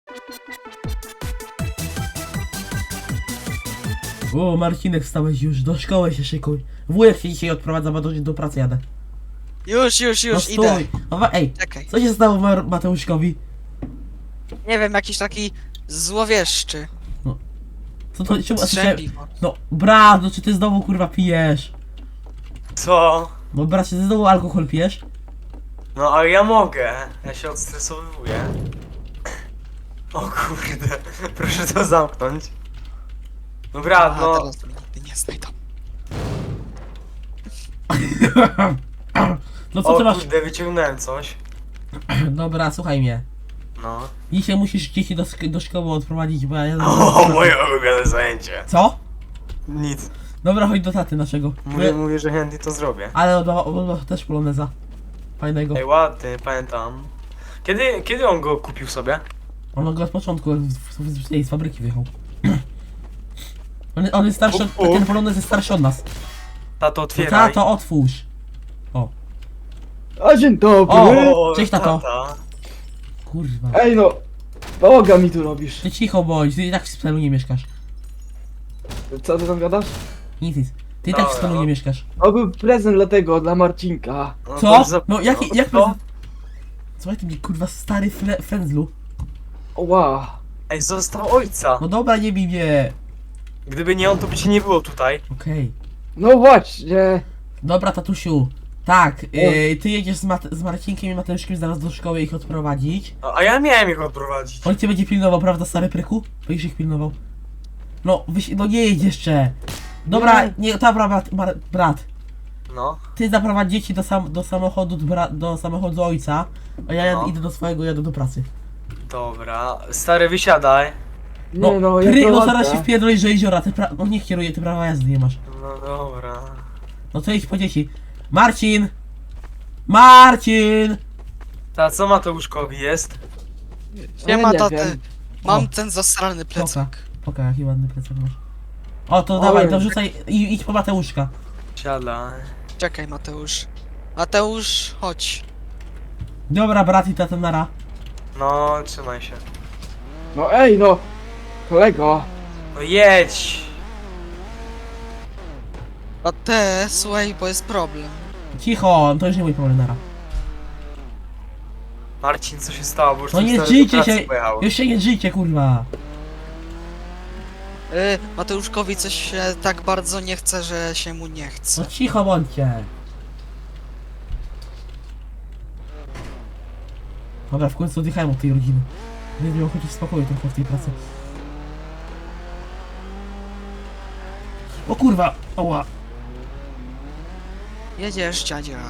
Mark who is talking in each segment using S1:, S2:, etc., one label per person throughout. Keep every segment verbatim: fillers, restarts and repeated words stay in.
S1: O, Marcinek, wstałeś już, do szkoły się szykuj. Wujek się dzisiaj odprowadza, bo do, do pracy jadę.
S2: Już, już,
S1: No
S2: już,
S1: stój.
S2: idę.
S1: No, wa- ej,
S2: Czekaj.
S1: co się stało Mar Mateuszkowi?
S2: Nie wiem, jakiś taki złowieszczy.
S1: Co to, czemu,
S2: Strzępiwo.
S1: no, brat, no czy ty znowu kurwa pijesz?
S3: Co?
S1: No brat, czy ty znowu alkohol pijesz?
S3: No ale ja mogę. Ja się odstresowuję. O kurde. Proszę to zamknąć. Dobra,
S2: A,
S3: no.
S2: teraz mnie nie znajdą.
S1: No co ty
S3: O
S1: masz?
S3: kurde, wyciągnąłem coś.
S1: Dobra, słuchaj mnie.
S3: No.
S1: Dzisiaj musisz dzieci do, sk- do szkoły odprowadzić, bo ja jadę...
S3: O, moje ulubione zajęcie.
S1: Co?
S3: Nic.
S1: Dobra, chodź do taty naszego.
S3: Mówię, mówię, że chętnie to zrobię.
S1: Ale on ma, on ma też poloneza. Fajnego.
S3: Ej, ładny, pamiętam. Kiedy, kiedy on go kupił sobie?
S1: On go od początku jak z, z, z, z fabryki wyjechał. On, on jest starszy, od,
S3: Uf, uf.
S1: ten polonez jest starszy od nas.
S3: Tato,
S1: No
S3: otwieraj.
S1: tato, otwórz.
S4: A dzień dobry!
S1: O! Cześć, tato.
S3: tata.
S1: Kurwa.
S4: Ej no, bałaga mi tu robisz.
S1: Ty cicho bądź, ty i tak w celu nie mieszkasz.
S4: Co ty tam gadasz?
S1: Nic, nic. Ty i tak w
S3: Dobra,
S1: celu
S3: no.
S1: nie mieszkasz.
S4: To był prezent dla tego, dla Marcinka.
S3: No,
S1: Co?
S3: to za-
S1: No jaki, jak
S3: Co?
S1: Słuchaj ty mnie kurwa stary fle, frędzlu.
S4: Ła.
S3: Ej, został ojca.
S1: No dobra, nie bij mnie.
S3: Gdyby nie on, to by cię nie było tutaj.
S1: Okej.
S4: No właśnie.
S1: Dobra, tatusiu. Tak, yy, ty jedziesz z, Mat z Marcinkiem i Mateuszkiem zaraz do szkoły ich odprowadzić.
S3: A, a ja miałem ich odprowadzić.
S1: On cię będzie pilnował, prawda, stary pryku? Będziesz ich pilnował. No, wyś no nie jedź jeszcze. Dobra,
S4: Nie.
S1: nie, dobra, brat, mar- brat.
S3: No.
S1: Ty zaprowadź dzieci do, sam do samochodu, do, bra do samochodu ojca, a ja
S3: No.
S1: idę do swojego, jadę do pracy.
S3: Dobra. Stary, wysiadaj.
S1: No,
S4: Nie no,
S1: pry,
S4: ja
S1: no
S4: to
S1: zaraz się
S4: ładne.
S1: wpierdolisz do jeziora, ty pra no niech kieruje, ty prawa jazdy nie masz.
S3: No dobra.
S1: No to idź po dzieci. Marcin! Marcin!
S3: Ta, co Mateuszkowi jest?
S2: Nie
S4: Ja
S2: ma
S4: nie
S2: taty.
S4: wiem.
S2: Mam
S1: O.
S2: ten zasrany
S1: Poka,
S2: plecak.
S1: poka, jaki ładny plecak masz. O, to
S4: Oj.
S1: dawaj, to wrzucaj i idź po Mateuszka.
S3: Siadaj.
S2: Czekaj, Mateusz. Mateusz, chodź.
S1: Dobra, brat i tata nara.
S3: No, trzymaj się.
S4: No ej no, kolego.
S3: No jedź!
S2: A te, słuchaj, bo jest problem.
S1: Cicho, to już nie mój problem, nara.
S3: Marcin, co się stało? Bo już
S1: No
S3: twój
S1: nie
S3: stary do
S1: żyjcie
S3: pracy
S1: się,
S3: pojechał.
S1: już się nie żyjcie, kurwa.
S2: Y, Mateuszkowi coś się tak bardzo nie chce, że się mu nie
S1: No
S2: chce.
S1: cicho bądźcie. Dobra, w końcu odjechałem od tej rodziny. Nie miał chociaż spokoju trochę w tej pracy. O kurwa, oła.
S2: Jedziesz, dziadzia.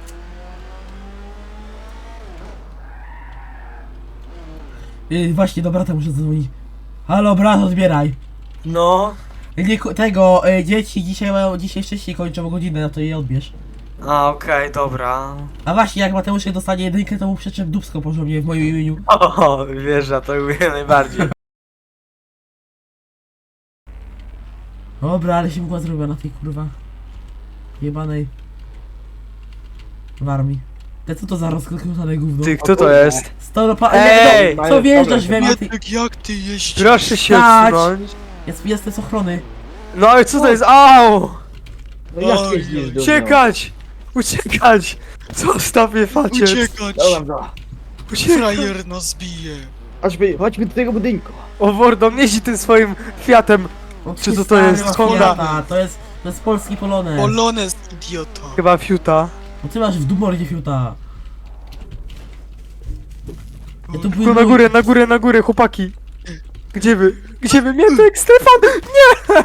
S1: Yy, właśnie, do brata muszę zadzwonić. Halo, brat, odbieraj.
S3: No.
S1: Nie, ko- tego, y, dzieci dzisiaj mają, dzisiaj wcześniej kończą godzinę, no to je odbierz.
S3: A, okej, dobra.
S1: A właśnie, jak Mateusz dostanie jedynkę, to mu przeczep dupsko porządnie w moim imieniu.
S3: O, wiesz, ja to lubię najbardziej.
S1: Dobra, ale się mgła zrobiła na tej kurwa jebanej w armii. Te co to za rozkręcone gówno?
S3: Ty, kto to jest?
S1: Storopa...
S3: Ej!
S1: Nie, no, co wjeżdżasz we mnie? Ty...
S2: jak ty jeździsz?
S3: Proszę się
S1: Stać!
S3: odsunąć.
S1: Jest, jestem z ochrony.
S3: No ale co to jest? Au!
S4: No jak
S2: Oj,
S4: jeździsz do mnie?
S3: Uciekać! Uciekać! Zostaw mnie, facet!
S2: Uciekać!
S4: Dobra,
S3: Uciekaj!
S2: Frajer nas bije.
S4: chodźmy, chodźmy do tego budynku.
S3: O Wordo, jeździ tym swoim Fiatem.
S1: O,
S3: Czy
S1: ty
S3: to to
S1: stary,
S3: jest
S1: masz
S3: Honda?
S1: Fiata, To jest, to jest polski Polonez.
S2: Polonez, idiota.
S3: Chyba Fiuta.
S1: No ty masz w dumordzie fiuta. Ja tu
S3: Tylko na górę, na górę, na górę, chłopaki. Gdzie wy? Gdzie wy? Mietek, Stefan! Nie!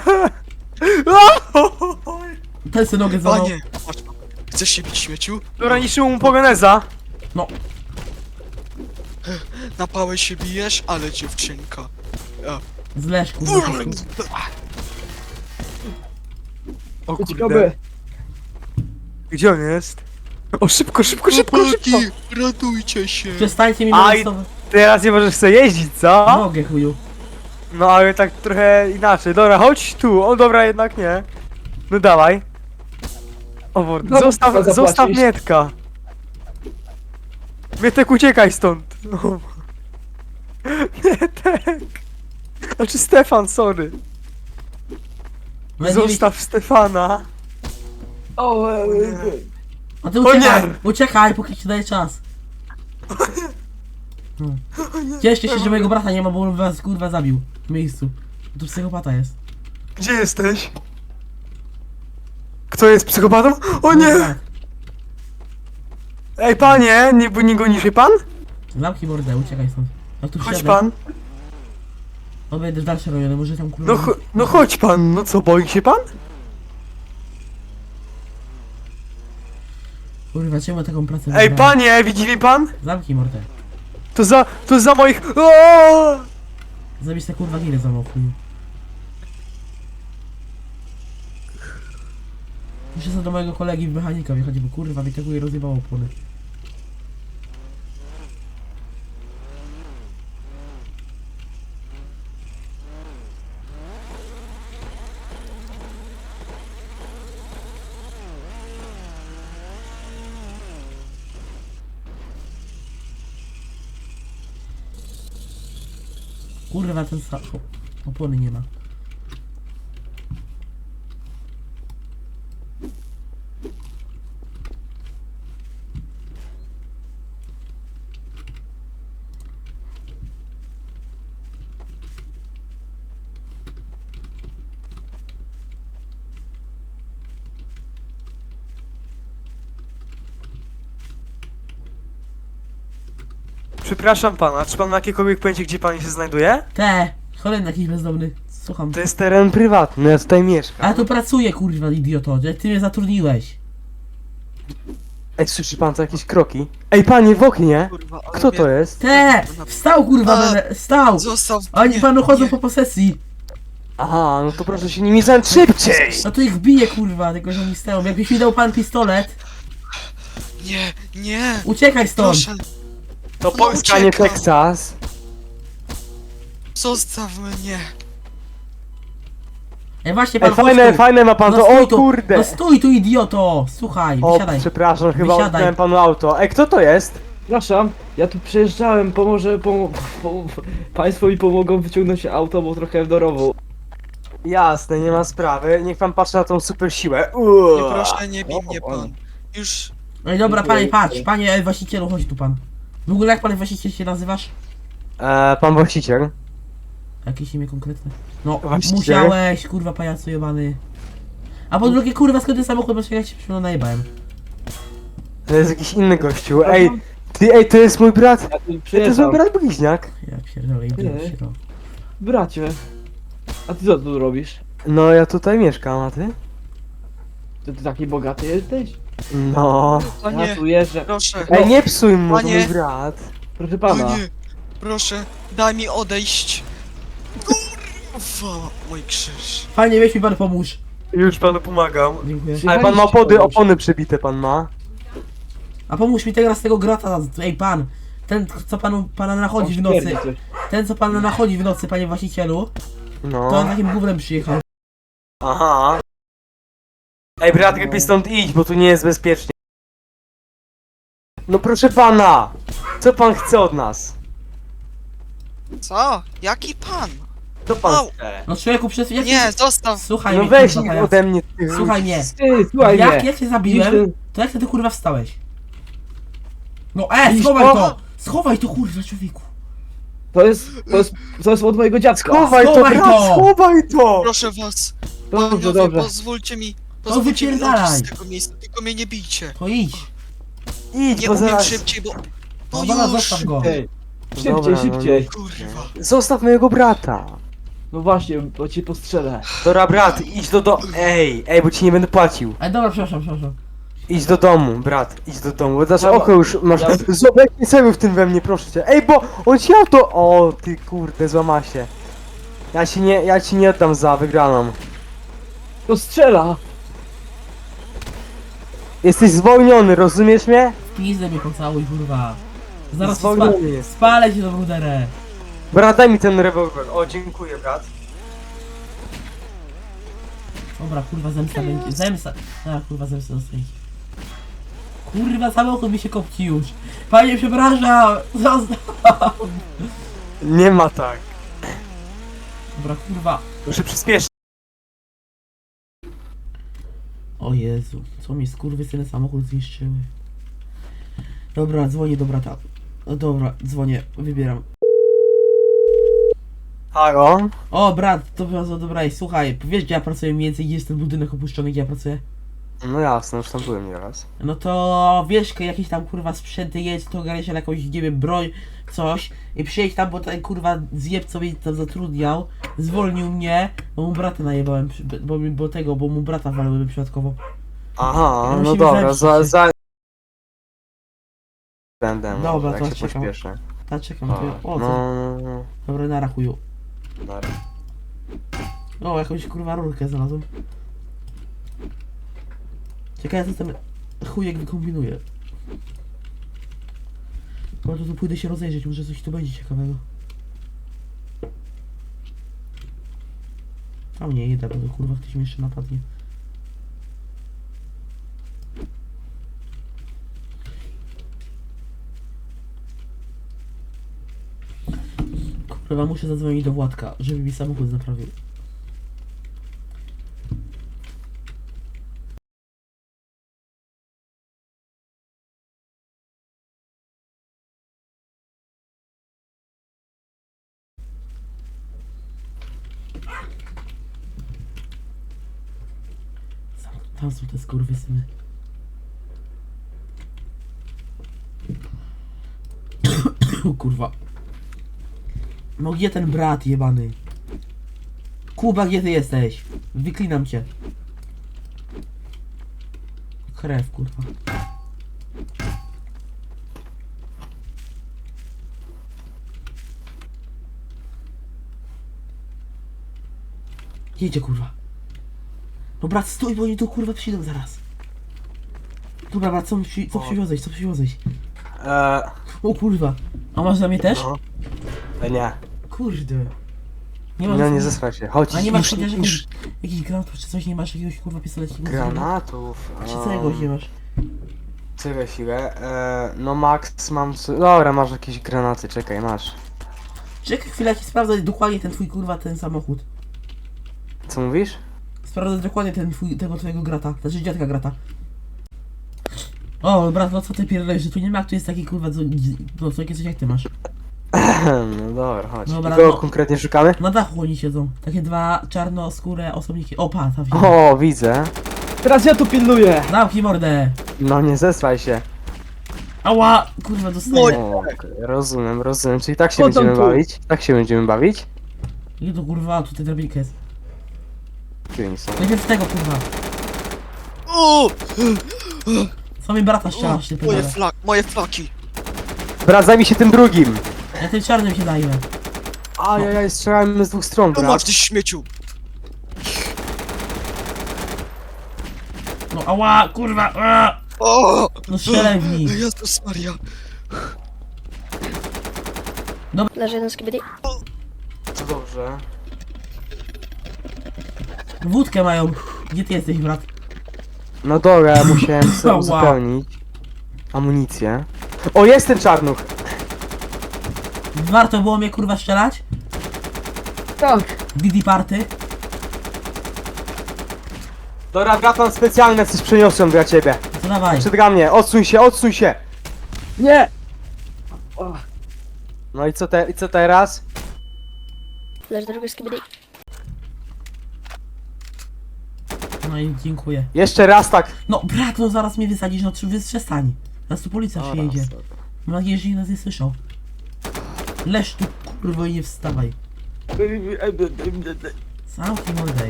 S1: Ten se nogę złamał.
S2: Panie, patrz, chcesz się bić, śmieciu?
S3: Dobra, niszczył mu pogoneza.
S1: No,
S2: Na pałę się bijesz, ale dziewczynka.
S1: z Leszku. z Leszku.
S3: O
S4: Uciekamy.
S3: Gdzie on jest? O, szybko, szybko, szybko, szybko!
S2: Chłopaki, ratujcie się.
S1: Przestańcie mi
S3: Aj.
S1: molestować.
S3: Teraz nie możesz sobie jeździć, co?
S1: Mogę, chuju.
S3: No ale tak trochę inaczej. Dobra, chodź tu. O dobra, jednak nie. No dawaj. O Wordo,
S4: No,
S3: zostaw,
S4: trzeba
S3: zostaw
S4: zapłacić.
S3: Mietka. Mietek, uciekaj stąd. No. Mietek! Znaczy Stefan, sorry.
S1: No, nie
S3: Zostaw Stefana.
S4: O, e, e,
S1: A ty
S3: O
S1: uciekaj,
S3: nie!
S1: uciekaj, póki ci daje czas. Hmm. Cieszcie się, że mojego brata nie ma, bo on was kurwa zabił w miejscu. Tu psychopata jest.
S3: Gdzie jesteś? Kto jest psychopatą? O
S1: Mój
S3: nie!
S1: brat.
S3: Ej panie, nie, bo nie goni się pan?
S1: Zamknij mordę, uciekaj stąd. Ja tu
S3: Chodź
S1: wsiadę.
S3: pan.
S1: Odejdę w dalsze rejony, może tam kurwa...
S3: No, cho- no chodź pan, no co, boi się pan?
S1: Kurwa, czemu taką pracę
S3: Ej
S1: wybrałem?
S3: panie, widzi mnie pan?
S1: Zamknij mordę.
S3: To za, to za moich... O!
S1: Zabierz te kurwa giry za mną, chuju. Muszę sobie do mojego kolegi w mechanika wjechać, bo kurwa mi tego i rozjebało opony. Kurwa ten sa... o, opony nie ma.
S3: Przepraszam pana, czy pan ma jakiekolwiek pojęcie, gdzie pan się znajduje?
S1: Te! Kolejny jakiś bezdomny. Słucham.
S3: To jest teren prywatny, ja tutaj mieszkam.
S1: A ja tu pracuję, kurwa, idioto. Jak ty mnie zatrudniłeś.
S3: Ej, słyszy pan co jakieś kroki? Ej panie, w oknie!
S2: Kurwa, ale
S3: Kto
S2: mnie-
S3: to jest?
S1: Te! Wstał, kurwa,
S2: A,
S1: będę. Wstał!
S2: Zostaw
S1: Oni
S2: mnie,
S1: panu chodzą
S2: nie.
S1: po posesji.
S3: Aha, no to proszę się nimi zająć szybciej!
S1: No to ich bije, kurwa, tylko że oni stoją. Jakbyś mi dał pan pistolet,
S2: Nie, nie!
S1: uciekaj stąd.
S2: Proszę,
S3: To
S2: No
S3: Polska, nie
S2: uciekam.
S3: Teksas.
S2: zostaw mnie!
S1: Ej, właśnie pan
S3: Ej,
S1: chodź
S3: fajne,
S1: tu.
S3: fajne ma pan
S1: No
S3: to,
S1: stój
S3: o
S1: tu.
S3: kurde!
S1: No stój tu, idioto. Słuchaj,
S3: O,
S1: wysiadaj.
S3: przepraszam, chyba
S1: Wysiadaj.
S3: oddałem panu auto. Ej, kto to jest?
S4: Przepraszam, ja tu przejeżdżałem, pomoże, pomo pom państwo mi pomogą wyciągnąć auto, bo trochę w dorowu.
S3: Jasne, nie ma sprawy. Niech pan patrzy na tą super siłę.
S2: Nie proszę, nie bij
S4: O,
S2: mnie
S4: o.
S2: pan. Już...
S1: No i dobra,
S4: Dziękuję.
S1: panie, patrz, panie właścicielu, chodź tu pan. W ogóle jak pan właściciel się nazywasz?
S3: Eee, pan właściciel.
S1: Jakieś imię konkretne? No,
S3: Właściciel?
S1: musiałeś, kurwa, pajacu jebany. A po drugie, kurwa, skąd ten samochód, bo jak się przyszło najebałem.
S3: To jest jakiś inny gościu. Ej, ty, ej, to jest mój brat.
S4: Ja tu
S3: Ej, to jest mój
S4: przyjeżdżam.
S3: brat bliźniak.
S1: Ja pierdolę, idę
S4: Nie.
S1: się to.
S4: Bracie, a ty co tu robisz?
S3: No, ja tutaj mieszkam, a ty?
S4: Ty, ty taki bogaty jesteś?
S3: No.
S2: A
S4: Ja
S2: nie,
S4: tu jeżdżę.
S2: proszę.
S3: Ej, nie psuj mu, to
S2: Panie.
S3: mój brat.
S4: Proszę
S2: O
S4: pana.
S2: nie, proszę, daj mi odejść. Kurwa, mój krzyż.
S1: Panie, weź mi pan pomóż.
S3: Już panu pomagam.
S1: Dziękuję.
S3: Ale pan ma opony, opony przebite, pan ma.
S1: A pomóż mi teraz z tego grata, ej pan. Ten, co panu, pana nachodzi w nocy. Ten, co pana nachodzi w nocy, panie właścicielu. To on
S3: No.
S1: takim gównem przyjechał.
S3: Aha. Ej, brat, lepiej stąd idź, bo tu nie jest bezpiecznie. No proszę pana! Co pan chce od nas?
S2: Co? Jaki pan?
S3: Co pan
S2: Au.
S3: chce?
S1: No człowieku, przez jak
S2: Nie, zostaw.
S1: Słuchaj
S3: No
S1: mnie,
S3: weź
S1: kurwa,
S3: ich
S1: pajacu.
S3: ode mnie, ty.
S1: Słuchaj mnie.
S4: Ty, słuchaj
S1: Jak
S4: mnie.
S1: ja cię zabiłem,
S4: Widzisz
S1: to jak ty, ty kurwa wstałeś? No e,
S4: Widzisz
S1: schowaj
S4: to?
S1: to! Schowaj to kurwa, człowieku!
S4: To jest, to jest, to jest od mojego dziadka.
S3: Schowaj to,
S1: Schowaj
S3: brat,
S1: to!
S3: schowaj to!
S2: Proszę was.
S4: Dobrze,
S2: Panowie,
S4: dobrze.
S2: pozwólcie mi. Pozwólcie mi
S1: wypierdalaj.
S2: odejść z tego miejsca, tylko mnie nie bijcie.
S1: To idź!
S3: Idź,
S2: Nie
S3: bo
S2: umiem
S3: zaraz...
S2: szybciej, bo...
S1: No
S2: No
S1: dobra,
S2: już.
S1: zostaw go!
S4: Ej, szybciej,
S3: Dobra, no,
S4: szybciej.
S2: Kurwa.
S3: Zostaw mojego brata.
S4: No właśnie, bo cię postrzelę.
S3: Dobra, brat, idź do do... Ej, ej, bo ci nie będę płacił.
S1: Ej, dobra, przepraszam, przepraszam.
S3: Idź do domu, brat, idź do domu, bo znaczy
S4: Dobra.
S3: oko już masz...
S4: Ja-
S3: Zobacz, nie celuj w tym we mnie, proszę cię. Ej, bo on ci auto... O, ty kurde, złama się. Ja ci nie, ja ci nie oddam za wygraną.
S4: To strzela.
S3: Jesteś zwolniony, rozumiesz mnie?
S1: W pizdę mnie pocałuj, kurwa. Zaraz ci spa
S3: Zwolniony jest.
S1: spalę cię do bruderę.
S3: Brat, daj mi ten rewolwer. O, dziękuję, brat.
S1: Dobra, kurwa, zemsta będzie. Zemsta. A, kurwa, zemsta dostanie. Kurwa, samochód mi się kopci już. Panie, przepraszam. Zostaw.
S3: Nie ma tak.
S1: Dobra, kurwa.
S3: Muszę przyspieszyć.
S1: O Jezu, co mi skurwysyny samochód zniszczyły. Dobra, dzwonię do brata. No dobra, dzwonię, wybieram.
S3: Halo?
S1: O, brat, to bardzo dobra, i słuchaj, wiesz gdzie ja pracuję mniej więcej, gdzie jest ten budynek opuszczony, gdzie ja pracuję?
S3: No jasne, już tam byłem nieraz.
S1: No to wiesz, jakieś tam kurwa sprzęty jest, to ogarniesz jakąś, nie wiem, broń, coś i przyjedź tam, bo ten kurwa zjeb, co mnie tam zatrudniał, zwolnił mnie, bo mu brata najebałem, przy- bo, bo tego, bo mu brata walałem przypadkowo.
S3: Aha,
S1: No
S3: no
S1: musimy
S3: dobra,
S1: zemścić
S3: za...
S1: się.
S3: za... Będę,
S1: Dobra,
S3: może,
S1: to
S3: jak się
S1: czekam.
S3: pośpieszę.
S1: Ta czekam,
S3: O,
S1: to ja, o,
S3: no,
S1: co?
S3: no, no.
S1: Dobra, na rachuju.
S3: Dobra.
S1: O, jakąś kurwa rurkę znalazłem. Ciekawe co ten chujek wykombinuje. No to tu pójdę się rozejrzeć, może coś tu będzie ciekawego. Tam nie idę, bo to kurwa ktoś mnie jeszcze napadnie. Kurwa, muszę zadzwonić do Władka, żeby mi samochód naprawił. Tam są te skurwysyny. O kurwa. No gdzie ten brat jebany? Kuba, gdzie ty jesteś? Wyklinam cię. Krew, kurwa. Jedzie, kurwa. No brat, stój, bo oni tu kurwa przyjdą zaraz. Dobra, brat, co, przy, co przywiozłeś, co przywiozłeś?
S3: Eee,
S1: O kurwa. A masz dla mnie też?
S3: no. E, nie.
S1: Kurde. Nie masz...
S3: No nie zesraj się, chodź.
S1: A nie masz
S3: już,
S1: chociaż
S3: już.
S1: jakichś, jakichś granatów czy coś, nie masz jakiegoś kurwa pistoletu?
S3: Granatów.
S1: Czy całego nie masz?
S3: Czekaj chwilę. Eee, no Max mam... s- Dobra, masz jakieś granaty, czekaj, masz.
S1: Czekaj chwilę, jak sprawdzać dokładnie ten twój kurwa, ten samochód.
S3: Co mówisz?
S1: Sprawdzać dokładnie ten twój, tego twojego grata, znaczy dziadka grata. O, brat, no co ty pierdolisz, że tu nie ma, jak tu jest taki kurwa, co, no co, takie coś jak ty masz.
S3: No dobra, chodź.
S1: Dobra,
S3: Kogo
S1: no.
S3: konkretnie szukamy?
S1: Na dachu oni siedzą, takie dwa czarnoskóre osobniki. O, pa, tam się.
S3: O, widzę.
S4: Teraz ja tu pilnuję!
S1: Zamknij mordę!
S3: No nie zesraj się.
S1: Ała! Kurwa, dostaję.
S3: O, okej, rozumiem, rozumiem. Czyli tak się
S4: Chodź tam
S3: będziemy
S4: tu.
S3: bawić? Tak się będziemy bawić?
S1: Nie to kurwa, tutaj drabinka jest.
S3: Tu oni są.
S1: Najpierw tego kurwa.
S2: O!
S1: Co mi brata ściągasz, ty
S2: Moje
S1: pedale.
S2: flak, moje flaki.
S3: Brat, zajmij się tym drugim!
S1: Ja tym czarnym się zajmę.
S3: Ajajaj, strzelamy z dwóch stron,
S2: No masz
S3: brat.
S2: ty śmieciu.
S1: No ała, kurwa! Ała!
S2: O!
S1: No strzelaj w nich.
S2: Jezus Maria.
S5: Leży jeden z kibidi.
S3: To dobrze.
S1: Wódkę mają. Gdzie ty jesteś, brat?
S3: No dobra, ja musiałem sobie
S1: Ała.
S3: uzupełnić amunicję. O, jest ten czarnuch!
S1: Warto było mnie kurwa strzelać?
S4: Tak!
S1: Didi party?
S3: Dobra, brat, mam specjalne coś przeniosłem dla ciebie.
S1: To dawaj.
S3: Przed mnie, odsuń się, odsuń się!
S4: Nie! O,
S3: No i co, te, i co teraz?
S5: Leży drugi z kibidi.
S1: No i dziękuję.
S3: Jeszcze raz tak.
S1: No brat, no zaraz mnie wysadzisz, no czy przestań. Zaraz tu policja przyjedzie. Mam nadzieję, że nikt nas nie słyszał. Leż tu kurwa i nie wstawaj. Zamknij mordę.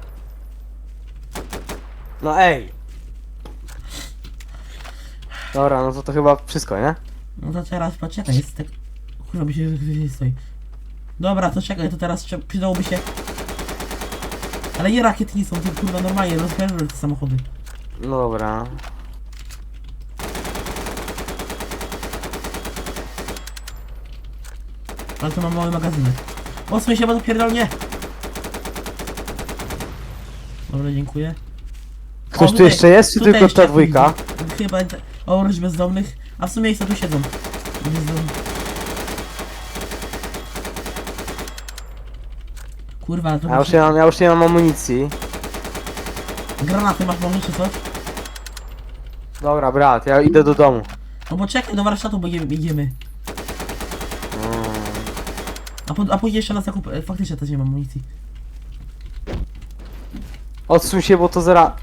S3: No ej. Dobra, no to to chyba wszystko, nie?
S1: No to teraz poczekaj, jest tak... Kurwa mi się że ktoś nie stoi. Dobra, to czekaj, to teraz trze- przydałoby się... Ale nie rakiety nie są, to kurwa normalnie rozpędzę te samochody.
S3: No dobra.
S1: Ale to mam mały magazynek. Odsuń się, bo to pierdolnie! Dobra, dziękuję.
S3: Ktoś tu
S1: tutaj-
S3: jeszcze jest, czy
S1: tutaj
S3: tylko
S1: jeszcze
S3: ta dwójka?
S1: jakiś- Chyba te- oprócz bezdomnych. A w sumie ich co tu siedzą. Bezdomni. Kurwa, to
S3: Ja już nie mam, ja już nie mam amunicji.
S1: granaty masz może czy co?
S3: Dobra, brat, ja idę do domu.
S1: No bo czekaj, do warsztatu bo idziemy. idziemy.
S3: Mm.
S1: A, po, a później jeszcze na zakup... e, Faktycznie też nie mam amunicji.
S3: Odsuń się, bo to zera...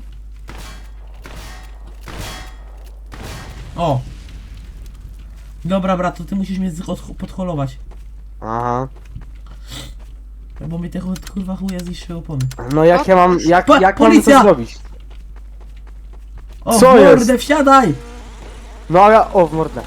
S1: O! Dobra, brat, to ty musisz mnie z- od- podholować.
S3: Aha.
S1: Bo mi tego kurwa chuja zniszczyły opony.
S3: No jak ja mam, jak,
S1: Pa-
S3: jak mam
S1: policja!
S3: to zrobić?
S1: O,
S3: Co
S1: w
S3: jest?
S1: mordę, wsiadaj!
S3: No a ja, o w mordę.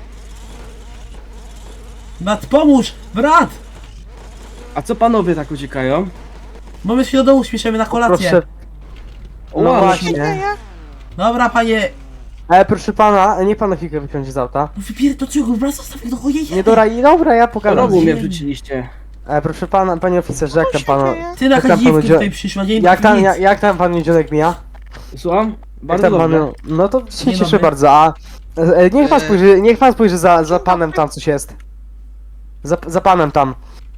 S1: Brat, pomóż! Brat!
S4: A co panowie tak uciekają?
S1: Bo my się do domu śpieszymy na kolację.
S3: Proszę.
S4: O,
S3: No
S4: ale
S3: właśnie.
S1: Dobra, panie...
S3: Ale proszę pana, niech pan na chwilkę wyciągnie z auta.
S1: Wypierdol go, brat, zostaw go, chodź,
S3: Nie dobra, i dobra, ja pogadam.
S4: Rogu mnie
S1: Ziemi.
S4: wrzuciliście.
S3: E, proszę pana, panie oficerze, jak tam panu...
S1: Ty na
S3: Jak tam panu
S1: kadziwkę
S3: dzia-
S1: tutaj przyszła, nie
S3: Jak tam,
S1: nic.
S3: jak, jak tam panu dzionek mija?
S4: Słucham?
S3: Jak
S4: Bardzo
S3: tam
S4: dobrze.
S3: panu... No to się
S1: Dzień
S3: cieszę
S1: dobry.
S3: bardzo, a... E, niech pan
S2: E.
S3: spojrzy, niech pan spojrzy za, za panem tam coś jest. Za, za panem tam.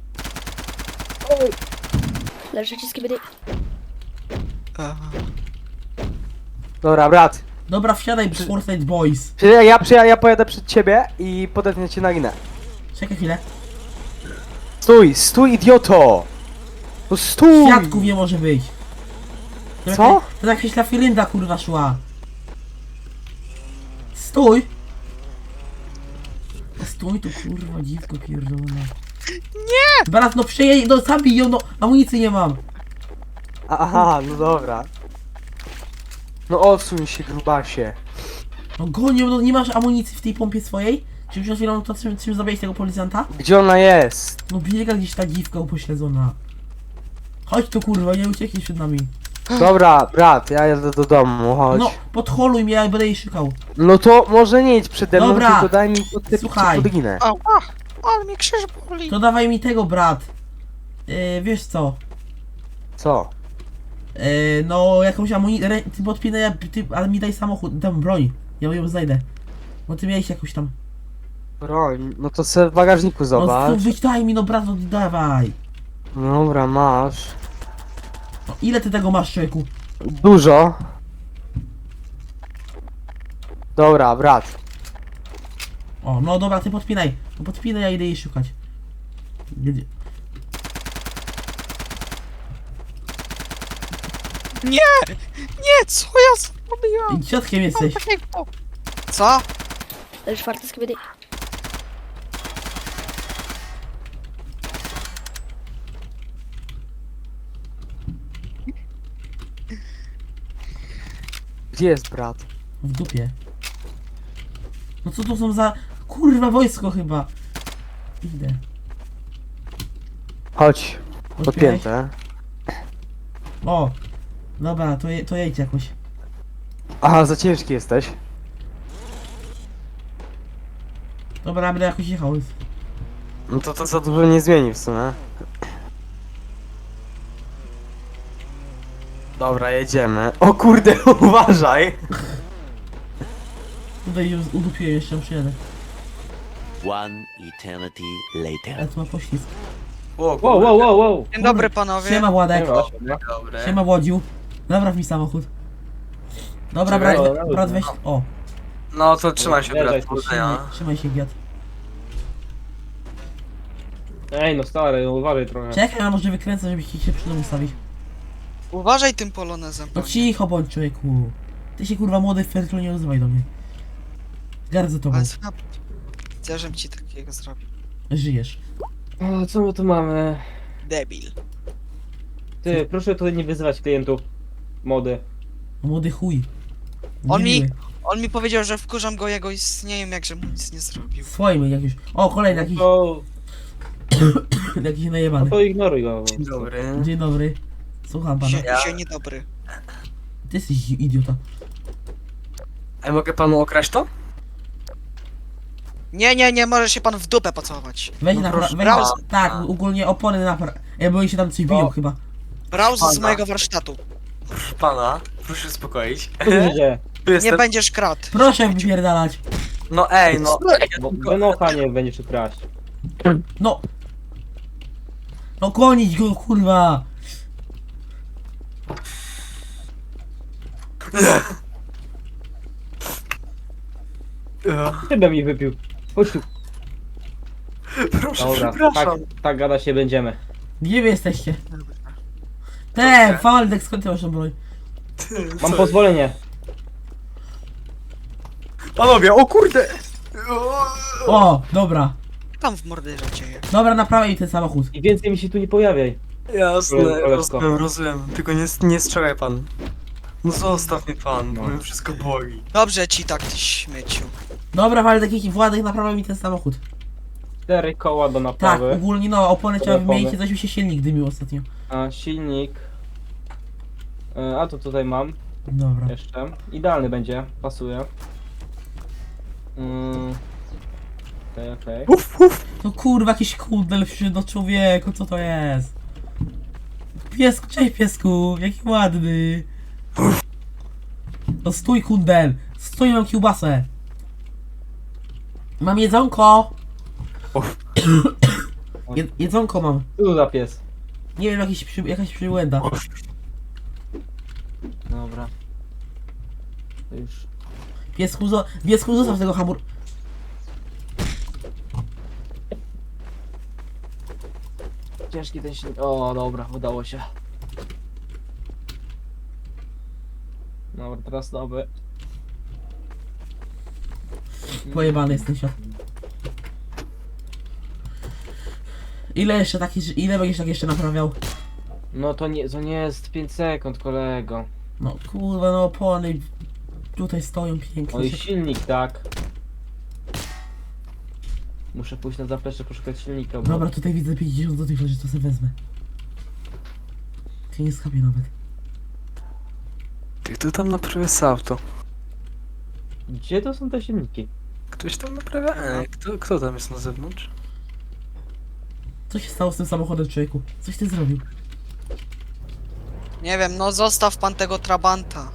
S5: Leżycie skibidi.
S2: Aha.
S3: Dobra, brat.
S1: Dobra, wsiadaj, Fortnite Boys.
S3: Ja, ja, ja, ja pojadę przed ciebie i podetnę cię na linę.
S1: Czekaj chwilę.
S3: Stój, stój, idioto! No stój!
S1: Świadków nie może być. To
S3: Co?
S1: jakaś- To jakaś lafirynda kurwa szła. Stój! Stój tu kurwa dziwko pierdolona. Nie! Brat, no przyjedź, no zabij ją, no amunicji nie mam.
S3: Aha, no dobra. No odsuń się, grubasie.
S1: No gonią, no nie masz amunicji w tej pompie swojej? Czy przed chwilą to czym, czym zabiłeś tego policjanta?
S3: Gdzie ona jest?
S1: No biega gdzieś ta dziwka upośledzona. Chodź tu kurwa, nie ucieknij przed nami.
S3: Dobra, brat, ja jadę do domu, chodź.
S1: No,
S3: No,
S1: podholuj mnie, ja będę jej szukał.
S3: to może nie idź przede mną,
S1: Dobra.
S3: tylko daj mi podtypić
S1: Słuchaj.
S3: pod ginę.
S2: Ała, ale mnie krzyż boli.
S1: To dawaj mi tego, brat. Yy, wiesz co?
S3: Co?
S1: Yy, no, jakąś amunicję, ty podpinaj, ja- ty, ale mi daj samochód, dam broń. Ja ją znajdę. Bo ty miałeś jakąś tam...
S3: Broń, no to se w bagażniku
S1: No,
S3: zobacz.
S1: tu wyjdź, daj mi, no brat, no dawaj.
S3: Dobra, masz.
S1: No, ile ty tego masz, człowieku?
S3: Dużo. Dobra, brat.
S1: O, no dobra, ty podpinaj. No podpinaj, ja idę jej szukać. Gdzie?
S2: Nie! Nie, co ja zrobiłam?
S1: Dziadkiem jesteś.
S2: Takiego. Co?
S5: Leży czwarty skibidi.
S3: Gdzie jest brat?
S1: W dupie. No co to są za... Kurwa, wojsko chyba. Idę.
S3: Chodź,
S1: Podpinaj.
S3: podpięte.
S1: O! Dobra, to, je, to jedź jakoś.
S3: Aha, za ciężki jesteś.
S1: Dobra, będę jakoś jechał.
S3: No to to za dużo nie zmieni w sumie. Dobra, jedziemy. O kurde, uważaj!
S1: Tutaj ją udupiłem, jeszcze ją przyjadę.
S6: One eternity later.
S1: Ale to ma poślizg.
S3: O,
S4: Wow, wow, wow, wow.
S2: Dzień dobry panowie.
S1: Siema Władek.
S4: Siema.
S3: Dobre.
S1: Siema Łodziu. Napraw mi samochód. Dobra,
S3: Czekaj.
S1: brat,
S4: Dobra,
S1: we, brat weź... O,
S3: No to trzymaj się,
S4: Nie,
S3: brat.
S4: daj
S1: trzymaj, trzymaj się, giat.
S4: Ej, no stary, no uważaj trochę.
S1: Czekaj, a może wykręcę, żebyś się przy domu ustawić.
S2: Uważaj tym polonezem.
S1: No cicho bądź, człowieku. Ty się kurwa młody fertlo nie odzywaj do mnie. Gardzę tobą.
S2: Ale słuchaj, chcę, żebym ci takiego zrobił.
S1: Żyjesz.
S4: O, co my tu mamy?
S2: Debil.
S4: Ty, proszę tutaj nie wyzywać klientów. Mody.
S1: Młody chuj.
S2: On mi-
S1: Niemiły.
S2: On mi powiedział, że wkurzam go jego istnieniem, jakże mu nic nie zrobił.
S1: Swoim jak już. O, kolejny jakiś,
S4: To,
S1: jakiś
S4: no
S1: najebany.
S4: to ignoruj go.
S3: Dzień dobry.
S1: Dzień dobry. Słucham pana.
S2: Się,
S3: Ja-
S2: się niedobry.
S1: Ty jesteś idiota.
S3: A mogę panu okraść to?
S2: Nie, nie, nie, może się pan w dupę pocałować.
S1: Weź
S3: No
S1: na
S3: proszę
S1: weź,
S2: pana.
S1: tak, ogólnie opony na pra... Ja bo się tam coś biją
S4: O.
S1: chyba.
S2: Brał z
S3: Pana.
S2: mojego warsztatu.
S3: Proszę pana, proszę uspokoić.
S4: Co się dzieje?
S3: Tu
S2: Nie
S3: jestem.
S2: będziesz kradł.
S1: Proszę wypierdalać.
S3: No ej, no.
S4: Bo wynocha nie będziesz kraść.
S1: No. No gonić go, kurwa!
S3: Ja.
S4: Szybę mi wypił. Chodź tu.
S3: Proszę,
S4: Dobra, tak,
S3: przepraszam.
S4: tak gadać nie będziemy.
S1: Gdzie wy jesteście? Te, Waldek, skąd ty masz tą broń?
S3: Ty,
S4: Mam
S3: co?
S4: pozwolenie.
S3: Panowie, o kurde!
S1: O, dobra.
S2: Tam w morderze dzieje.
S1: Dobra, naprawiaj ten samochód.
S4: I więcej mi się tu nie pojawiaj.
S3: Jasne,
S4: Koleżko.
S3: rozumiem, rozumiem. Tylko nie, nie strzelaj pan. No zostaw mnie pan, bo
S4: No.
S3: mnie wszystko boli.
S2: Dobrze ci tak, ty śmieciu.
S1: Dobra, Waldek, jaki Władek, naprawiaj mi ten samochód.
S4: Cztery koła do
S1: Tak,
S4: naprawy.
S1: ogólnie no, opony trzeba
S4: Opony.
S1: wymienić, coś mi się silnik dymił ostatnio.
S4: A silnik. E, A to tutaj mam
S1: Dobra.
S4: jeszcze. Idealny będzie, pasuje. Mm. Okej, okej.
S3: Uf, uf!
S1: No kurwa, jakiś kundel wśród do człowieku, co to jest? Piesku, cześć piesku, jaki ładny. No stój kundel, stój, mam kiełbasę. Mam jedzonko.
S3: Uf.
S1: Je, jedzonko mam.
S4: Co tu za pies?
S1: Nie wiem, jakiś, przy, jakaś przybłęda.
S4: Dobra. To już.
S1: Piesku, zo, piesku zostaw tego hamur...
S4: Ciężki ten silnik. O, dobra, udało się. Dobra, teraz nowy.
S1: Pojebany jest ten świat. Ile jeszcze taki, ile będziesz tak jeszcze naprawiał?
S4: No to nie, to nie jest pięć sekund, kolego.
S1: No kurwa, no opony tutaj stoją
S4: O
S1: pięknie.
S4: i silnik, tak. Muszę pójść na zaplecze poszukać silnika, bo...
S1: Dobra, tutaj widzę pięćdziesiąt złotych leży, to sobie wezmę. Ty nie skapię nawet.
S3: Ty, kto tam naprawia z auto?
S4: Gdzie to są te silniki?
S3: Ktoś tam naprawia? Ej, kto, kto tam jest na zewnątrz?
S1: Co się stało z tym samochodem, człowieku? Coś ty zrobił?
S2: Nie wiem, no zostaw pan tego trabanta.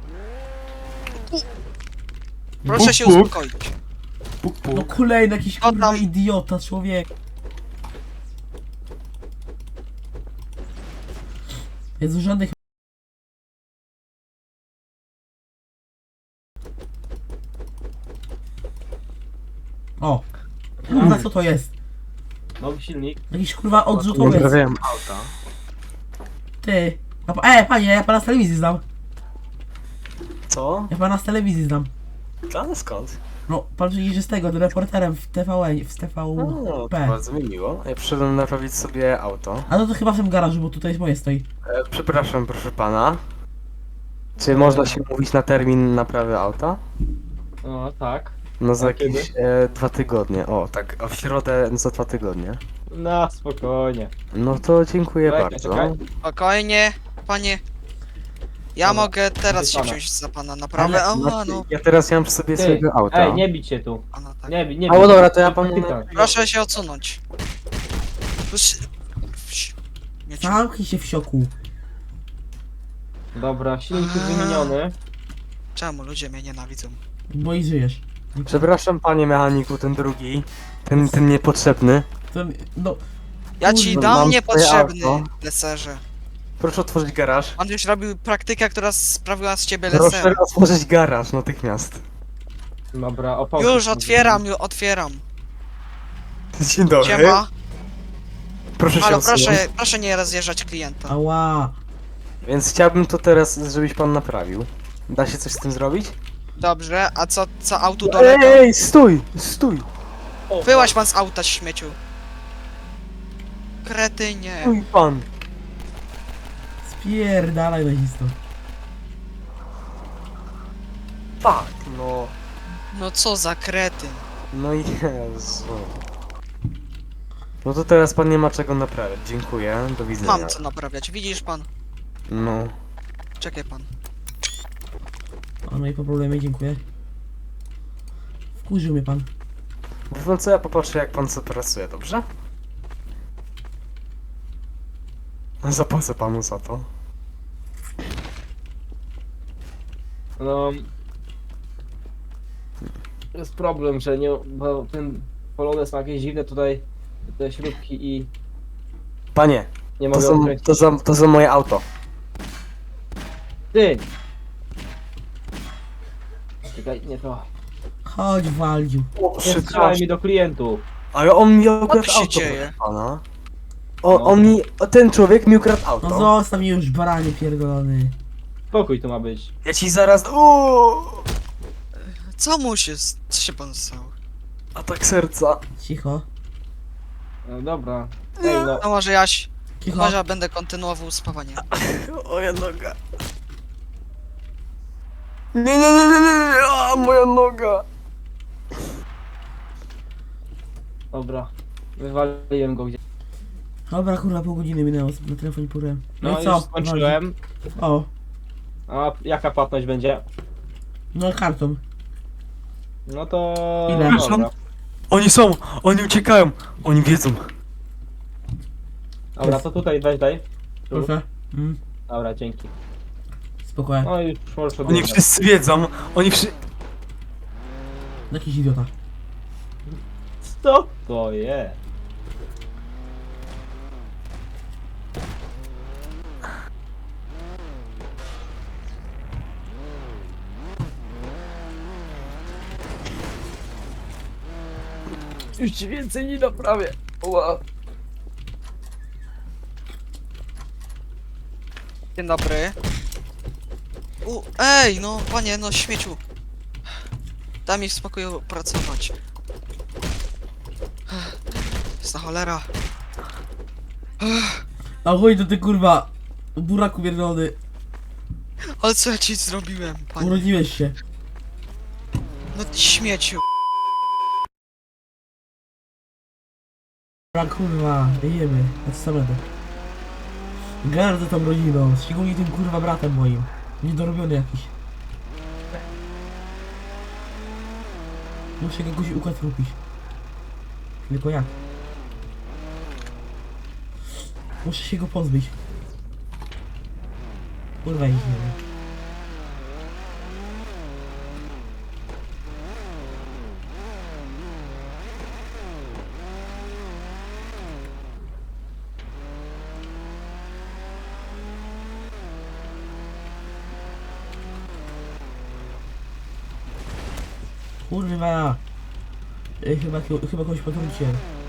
S2: Proszę
S3: Buk,
S2: się
S3: buk.
S2: uspokoić.
S3: Puk, puk.
S1: No kolejny jakiś
S2: O,
S1: kurwa
S2: tam.
S1: idiota, człowiek. Jest żadnych... O! Kurwa, co to jest?
S4: Nowy silnik.
S1: Jakiś kurwa odrzutowiec.
S3: Naprawiałem auta.
S1: Ty. A pa- E, panie, ja pana z telewizji znam.
S3: Co?
S1: Ja pana z telewizji znam.
S3: Ale skąd?
S1: No, pan przecież jest tego, reporterem w T V N, w T V
S3: No, to
S1: P.
S3: bardzo mi miło. Ja przyszedłem naprawić sobie auto.
S1: A no to chyba w tym garażu, bo tutaj moje stoi.
S3: E, przepraszam, proszę pana. Czy można się mówić na termin naprawy auta?
S4: O, tak.
S3: No za
S4: A kiedy?
S3: jakieś e, dwa tygodnie. O, tak, a w środę za dwa tygodnie.
S4: No, spokojnie.
S3: No to dziękuję
S4: Czekaj,
S3: bardzo.
S4: czekaj.
S2: Spokojnie, panie. Ja
S4: Dobra,
S2: mogę teraz się
S4: pana.
S2: wziąć za pana naprawę.
S1: Ale-
S2: A,
S3: Znaczy,
S2: no.
S3: ja teraz nie mam przy sobie
S4: Ty,
S3: swojego auta.
S4: ej, nie bić się tu.
S2: Pana, tak.
S4: Nie, bi- nie
S3: A, no
S4: bij.
S3: dobra, to ja panu...
S4: Pytam.
S2: Proszę się odsunąć. Proszę... Wsi- Mieciu.
S1: Zamknij się w sioku.
S4: Dobra, silnik jest wymieniony.
S2: Czemu ludzie mnie nienawidzą?
S1: Bo i żyjesz.
S3: Przepraszam panie mechaniku, ten drugi. Ten, ten niepotrzebny.
S1: To, no,
S2: Ja ci
S1: Kurwa,
S2: dam
S3: mam
S2: niepotrzebny,
S3: swoje auto.
S2: leserze.
S3: Proszę otworzyć garaż.
S2: Pan już robił praktykę, która sprawiła z ciebie
S3: Proszę
S2: lesera.
S3: otworzyć garaż natychmiast.
S4: Dobra, opał.
S2: Już otwieram, już otwieram.
S3: Dzień dobry.
S2: Siema.
S3: Proszę się
S2: Halo,
S3: odsunąć.
S2: proszę, proszę nie rozjeżdżać klienta.
S1: ała.
S3: Więc chciałbym to teraz, żebyś pan naprawił. Da się coś z tym zrobić?
S2: Dobrze, a co, co autu dolega?
S3: Ej, stój! Stój!
S2: Wyłaź pan z auta, śmieciu. Kretynie.
S3: Stój pan!
S1: Spierdalaj nazisto.
S3: Fuck, no.
S2: No co za kretyn.
S3: No Jezu. No to teraz pan nie ma czego naprawiać. Dziękuję. Do widzenia.
S2: Mam co naprawiać, widzisz pan?
S3: No.
S2: Czekaj pan.
S1: O, no i po problemie, dziękuję. Wkurzył mnie pan.
S3: Wie pan co, ja popatrzę jak pan co pracuje, dobrze? Zapłacę panu za to.
S4: No... Jest problem, że nie... bo ten Polones ma jakieś dziwne tutaj te śrubki i...
S3: Panie,
S4: Nie
S3: to
S4: mogę
S3: są,
S4: odkręcić.
S3: to, są, to są moje auto.
S4: Ty! Czekaj, nie to.
S1: Chodź, Waldziu.
S4: Nie strzelaj mi do klientów.
S3: Ale on mi ukradł
S2: Co się
S3: auto,
S2: dzieje?
S3: proszę pana. O, on mi, o, ten człowiek mi ukradł auto.
S1: No zostaw mnie już, baranie pierdolony.
S4: Spokój tu ma być.
S3: Ja ci zaraz... Uuu,
S2: Co mu się... s- Co się pan stało?
S3: atak serca.
S1: Cicho.
S4: No dobra. Ej no.
S2: No może Jaś...
S1: Cicho.
S2: Może będę kontynuował spawanie.
S3: Moja noga. Nie, nie, nie, nie, nie, nie, a moja noga.
S4: Dobra. Wywaliłem go gdzieś.
S1: Dobra, kurwa, pół godziny minęło, na telefonie purem. No,
S4: No
S1: i
S4: i
S1: co?
S4: już skończyłem.
S1: O,
S4: A jaka płatność będzie?
S1: no kartą.
S4: No to...
S1: Ile?
S4: Dobra.
S3: Oni są, oni uciekają, oni wiedzą.
S4: Dobra, to tutaj weź daj. Tu.
S1: Proszę. Mm,
S4: Dobra, dzięki.
S1: spokojnie.
S4: No i już możesz
S3: Oni
S4: odjechać.
S3: wszyscy wiedzą, oni wszyscy...
S1: Jakiś idiota.
S4: Co to jest? Już ci więcej nie naprawię. Ła.
S2: Dzień dobry. U, ej, no panie, no śmieciu. Daj mi w spokoju pracować. Jest na cholera.
S1: A chuj to ty kurwa, buraku pierdolony.
S2: Ale co ja ci zrobiłem, panie?
S1: Urodziłeś się.
S2: No ty śmieciu.
S1: Dobra, kurwa, jemy. A co samego? Gardzę tą rodziną, szczególnie tym kurwa bratem moim. Niedorobiony jakiś. Muszę go jakoś układ lubić. Tylko jak? Muszę się go pozbyć. Kurwa, ich nie wiem. Kurwa! Ej, chyba, chyba kogoś potrucie.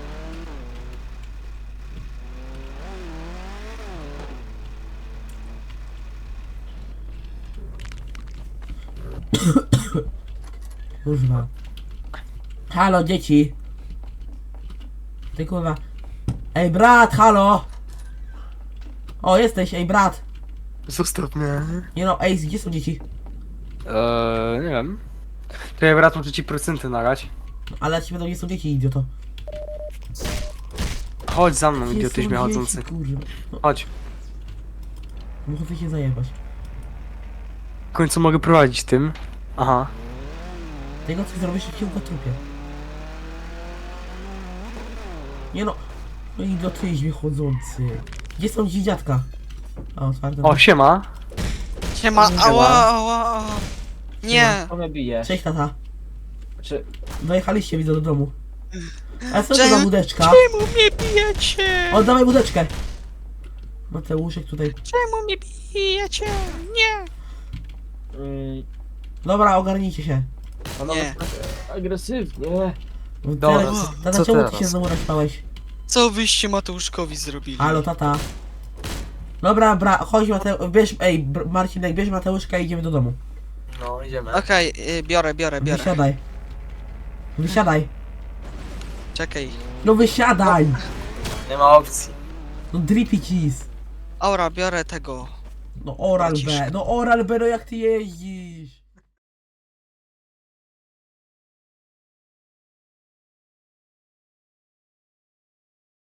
S1: Kurwa. Halo, dzieci! Ty kurwa. Ej, brat, halo! O, jesteś, ej, brat!
S3: Zostaw mnie.
S1: Nie no, ej, gdzie są dzieci?
S3: Eee, nie wiem. To ja brat muszę ci procenty nagrać.
S1: Ale ja ci będą, gdzie są dzieci, idioto.
S3: Chodź za mną,
S1: Gdzie
S3: idiotyś
S1: są
S3: chodzący.
S1: dzieci, kurwa? No,
S3: Chodź.
S1: muszę się zajebać.
S3: W końcu mogę prowadzić tym. Aha.
S1: Tego co zrobisz, się go trupie. Nie no. No idiotyźmie chodzący. Gdzie są ci dziadka? A, otwarte.
S3: O, siema.
S2: Siema,
S3: Siema.
S2: ała, ała, ała. Nie.
S4: Co mnie bijesz?
S1: Cześć tata.
S4: Czy...
S1: Dojechaliście widzę do domu. A co to
S2: Czemu-
S1: za budeczka?
S2: Czemu mnie bijecie?
S1: Oddawaj budeczkę! Mateuszek tutaj.
S2: Czemu mnie bijecie? Nie.
S4: Mm,
S1: Dobra, ogarnijcie się.
S4: ona
S2: Nie.
S4: jest tak agresywnie.
S3: Dobra,
S1: Tata,
S3: co-
S1: tata
S3: co
S1: czemu ty
S3: teraz?
S1: się znowu naćpałeś?
S2: Co wyście Mateuszkowi zrobili?
S1: Halo, tata. Dobra, bra, chodź Mateusz, bierz, ej, br- Marcinek, bierz Mateuszka i idziemy do domu.
S3: No, idziemy.
S2: Okej, y, biorę, biorę, biorę.
S1: Wysiadaj. Wysiadaj.
S2: Czekaj.
S1: No wysiadaj!
S3: Nie ma opcji.
S1: No drippy cheese.
S2: Aura, biorę tego.
S1: No oral
S2: Lecisz.
S1: B, no oral B, no jak ty jeździsz?